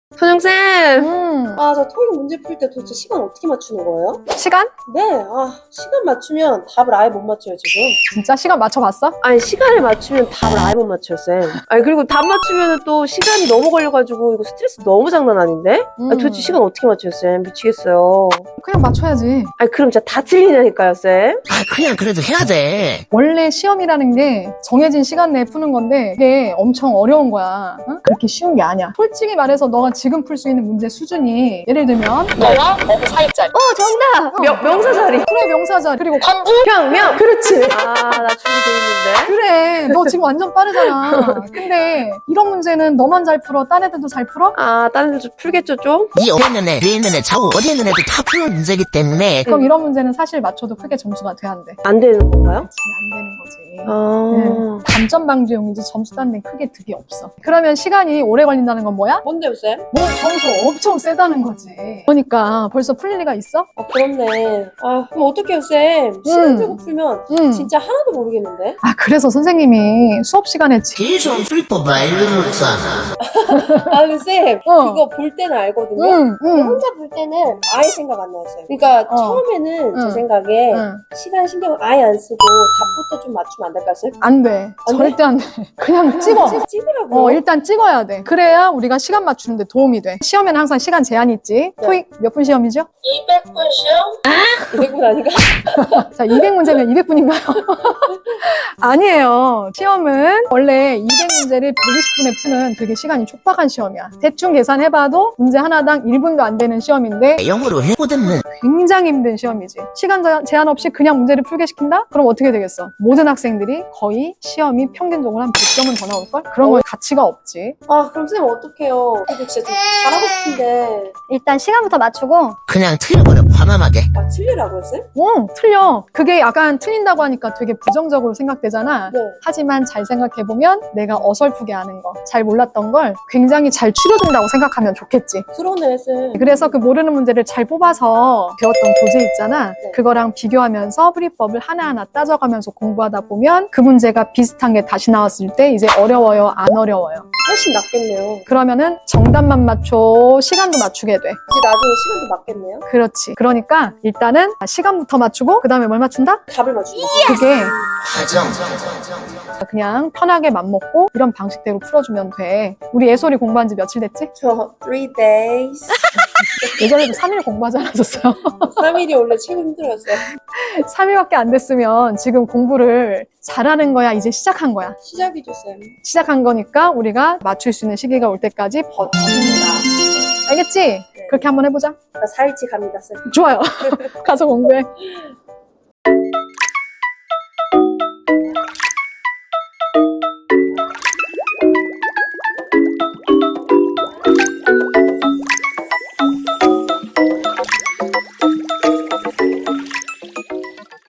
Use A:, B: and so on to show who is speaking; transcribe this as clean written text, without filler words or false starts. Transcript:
A: 선영쌤!
B: 아, 저 토익 문제 풀 때 도대체 시간 어떻게 맞추는 거예요?
A: 시간?
B: 네, 시간 맞추면 답을 아예 못 맞춰요, 지금.
A: 진짜 시간 맞춰봤어?
B: 아니, 시간을 맞추면 답을 아예 못 맞춰요, 쌤. 아니, 그리고 답 맞추면 또 시간이 너무 걸려가지고 이거 스트레스 너무 장난 아닌데? 아니, 도대체 시간 어떻게 맞춰요, 쌤? 미치겠어요.
A: 그냥 맞춰야지.
B: 아니, 그럼 진짜 다 틀리냐니까요, 쌤?
C: 아, 그냥 그래도 해야 돼.
A: 원래 시험이라는 게 정해진 시간 내에 푸는 건데 그게 엄청 어려운 거야. 응? 그렇게 쉬운 게 아니야. 솔직히 말해서 너가 지금 풀 수 있는 문제 수준이 예를 들면 너와 어부 사이짜리.
B: 정답! 명사자리.
A: 그래 명사자리. 그리고
B: 평명!
A: 그렇지.
B: 나 준비돼 있는데.
A: 그래 너 지금 완전 빠르잖아. 근데 이런 문제는 너만 잘 풀어? 딴 애들도 잘 풀어?
B: 다른 애들 좀 풀겠죠, 좀?
C: 이 어디 있는 애, 뒤에 있는 애, 좌우 어디 있는 애도 다 푸는 문제기 때문에
A: 그럼 이런 문제는 사실 맞춰도 크게 점수가 돼 안 돼?
B: 안 되는 건가요?
A: 그렇지 안 되는 거지.
B: 아.
A: 감점 방지용이지 점수 딴 데는 크게 득이 없어. 그러면 시간이 오래 걸린다는 건 뭐야?
B: 뭔데요, 쌤?
A: 뭐 점수 엄청 세다는 거지. 그러니까 벌써 풀릴 리가 있어?
B: 그렇네. 그럼 어떡해요, 쌤? 시간 주고 풀면 진짜 하나도 모르겠는데?
A: 아 그래서 선생님이 수업 시간에
C: 계속 풀법 알려줬잖아.
B: 근데 쌤, 그거 볼 때는 알거든요? 근데 혼자 볼 때는 아예 생각 안 나요, 쌤. 그러니까 처음에는 제 생각에 시간 신경을 아예 안 쓰고 답부터 좀 맞추면 안 될까요, 쌤?
A: 안 돼.
B: 안
A: 절대 안 돼. 그냥 찍어.
B: 찍으라고.
A: 일단 찍어야 돼. 그래야 우리가 시간 맞추는데 도움이 돼. 시험에는 항상 시간 제한이 있지.
B: 네.
A: 토익 몇 분 시험이죠?
B: 200분 시험? 200분 아닌가?
A: 자, 200문제면 200분인가요? 아니에요. 시험은 원래 200문제를 120분에 푸는 되게 시간이 촉박한 시험이야. 대충 계산해봐도 문제 하나당 1분도 안 되는 시험인데
C: 영어로 해보든
A: 굉장히 힘든 시험이지. 시간 제한 없이 그냥 문제를 풀게 시킨다? 그럼 어떻게 되겠어? 모든 학생들이 거의 시험이 평균적으로 한 100점은 더 나올걸? 그런 건 가치가 없지.
B: 그럼 쌤 어떡해요? 그래도 진짜 좀 잘하고 싶은데.
D: 일단 시간부터 맞추고
C: 그냥 틀려버려, 과감하게.
B: 틀리라고요, 쌤?
A: 틀려. 그게 약간 틀린다고 하니까 되게 부정적으로 생각되잖아.
B: 네.
A: 하지만 잘 생각해보면 내가 어설프게 아는 거, 잘 몰랐던 걸 굉장히 잘 추려준다고 생각하면 좋겠지.
B: 그러네, 쌤.
A: 그래서 그 모르는 문제를 잘 뽑아서 배웠던 교재 있잖아.
B: 네.
A: 그거랑 비교하면서 풀이법을 하나하나 따져가면서 공부하다 보면 그 문제가 비슷한 게 다시 나왔을 때 이제 어려워요, 안 어려워요.
B: 훨씬 낫겠네요.
A: 그러면은 정답만 맞춰 시간도 맞추게 돼.
B: 이제 나중에 시간도 맞겠네요?
A: 그렇지. 그러니까 일단은 시간부터 맞추고 그 다음에 뭘 맞춘다?
B: 답을 맞추는
A: 그게
C: 과정.
A: 그냥 편하게 맘먹고 이런 방식대로 풀어주면 돼. 우리 예솔이 공부한 지 며칠 됐지?
B: 저 3 days.
A: 예전에도 3일 공부하지 않았었어요.
B: 3일이 원래 최고 힘들었어요.
A: 3일밖에 안 됐으면 지금 공부를 잘하는 거야? 이제 시작한 거야?
B: 시작이죠, 쌤.
A: 시작한 거니까 우리가 맞출 수 있는 시기가 올 때까지 버틴다. 알겠지? 그렇게 한번 해보자.
B: 나 4일치 갑니다, 쌤.
A: 좋아요. 가서 공부해.